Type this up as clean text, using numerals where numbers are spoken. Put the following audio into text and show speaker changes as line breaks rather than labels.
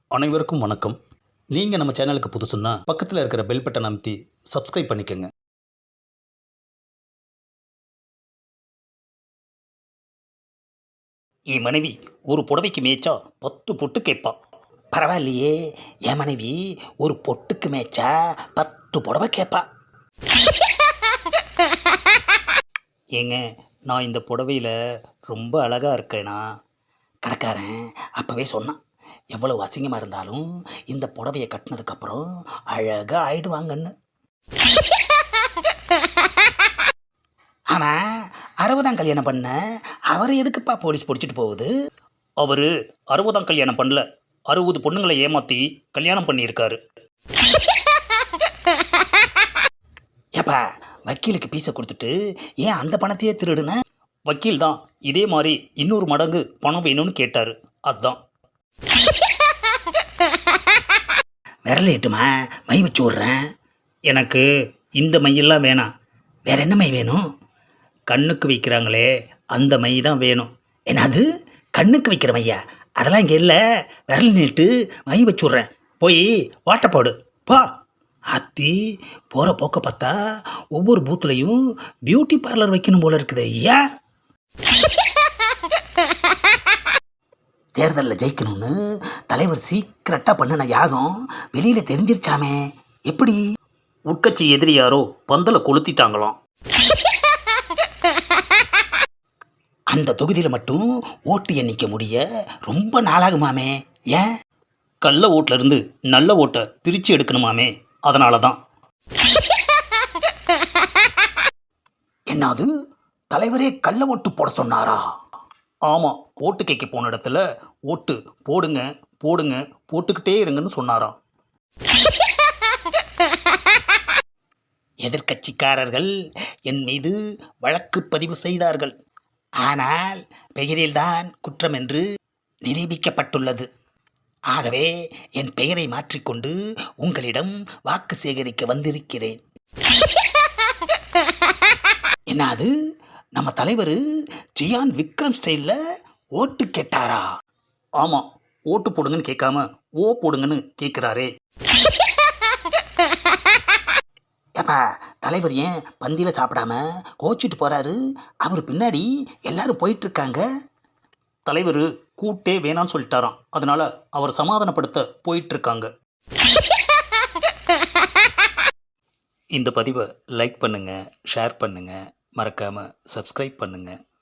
அனைவருக்கும் வணக்கம். நீங்கள் நம்ம சேனலுக்கு புதுசுன்னா பக்கத்தில் இருக்கிற பெல் பட்டன் அமைத்தி சப்ஸ்கிரைப் பண்ணிக்கோங்க. என் மனைவி ஒரு புடவைக்கு மேய்ச்சா 10 பொட்டு கேட்பா. பரவாயில்லையே, என் மனைவி ஒரு பொட்டுக்கு மேய்ச்சா 10 புடவை கேட்பா. ஏங்க, நான் இந்த புடவையில் ரொம்ப அழகாக இருக்கேனா? கடைக்காரன் அப்போவே சொன்னான், எவ்வளவு அசிங்கமாக இருந்தாலும் இந்த புடவையை கட்டினதுக்கப்புறம் அழகாக ஆயிடுவாங்கன்னு. ஆமாம், 60ஆம் கல்யாணம் பண்ண அவர் எதுக்குப்பா போலீஸ் பிடிச்சிட்டு போகுது? அவர் 60ஆம் கல்யாணம் பண்ணல, 60 பொண்ணுங்களை ஏமாற்றி கல்யாணம் பண்ணியிருக்காரு. ஏப்பா, வக்கீலுக்கு பீஸை கொடுத்துட்டு ஏன் அந்த பணத்தையே திருடுன? வக்கீல் தான் இதே மாதிரி இன்னொரு மடங்கு பணம் வேணும்னு கேட்டார், அதுதான். விரல எட்டுமா, மை வச்சு விட்றேன். எனக்கு இந்த மையெல்லாம் வேணாம். வேற என்ன மை வேணும்? கண்ணுக்கு வைக்கிறாங்களே அந்த மை தான் வேணும். என்னது, கண்ணுக்கு வைக்கிற மையா? அதெல்லாம் இங்கே இல்லை. விரல் நீட்டு மை வச்சு விட்றேன், போய் ஓட்ட போடு போ. அத்தி, போகிற போக்க பார்த்தா ஒவ்வொரு பூத்துலையும் பியூட்டி பார்லர் வைக்கணும் போல இருக்குது ஐயா. தேர்தலில் ஜெயிக்கணும்னு தலைவர் சீக்கிரட்டாக பண்ணின யாகம் வெளியில் தெரிஞ்சிருச்சாமே, எப்படி? உட்கட்சி எதிரி யாரோ பந்தலை கொளுத்திட்டாங்களாம். அந்த தொகுதியில் மட்டும் ஓட்டு எண்ணிக்க முடிய ரொம்ப நாளாகுமாமே. ஏன்? கள்ள ஓட்டுல இருந்து நல்ல ஓட்டை பிரித்து எடுக்கணுமாமே, அதனால தான். என்னது, தலைவரே கள்ள ஓட்டு போட சொன்னாரா? ஆமாம், ஓட்டு கேட்க போன இடத்துல ஓட்டு போடுங்க போடுங்க போட்டுக்கிட்டே இருங்கன்னு சொன்னாராம். எதிர்க்கட்சிக்காரர்கள் என் மீது வழக்கு பதிவு செய்தார்கள். ஆனால் பெயரில்தான் குற்றம் என்று நிரூபிக்கப்பட்டுள்ளது. ஆகவே என் பெயரை மாற்றிக்கொண்டு உங்களிடம் வாக்கு சேகரிக்க வந்திருக்கிறேன். என்னது, நம்ம தலைவர் ஜியான் விக்ரம் ஸ்டைலில் ஓட்டு கேட்டாரா? ஆமாம், ஓட்டு போடுங்கன்னு கேட்காம ஓ போடுங்கன்னு கேட்குறாரே. ஏப்பா, தலைவர் ஏன் பந்தியில் சாப்பிடாம கோச்சிட்டு போகிறாரு? அவர் பின்னாடி எல்லாரும் போயிட்டுருக்காங்க. தலைவர் கூட்டே வேணான்னு சொல்லிட்டாராம், அதனால் அவர் சமாதானப்படுத்த போயிட்டுருக்காங்க. இந்த பதிவை லைக் பண்ணுங்கள், ஷேர் பண்ணுங்கள், மறக்காமல் சப்ஸ்கிரைப் பண்ணுங்கள்.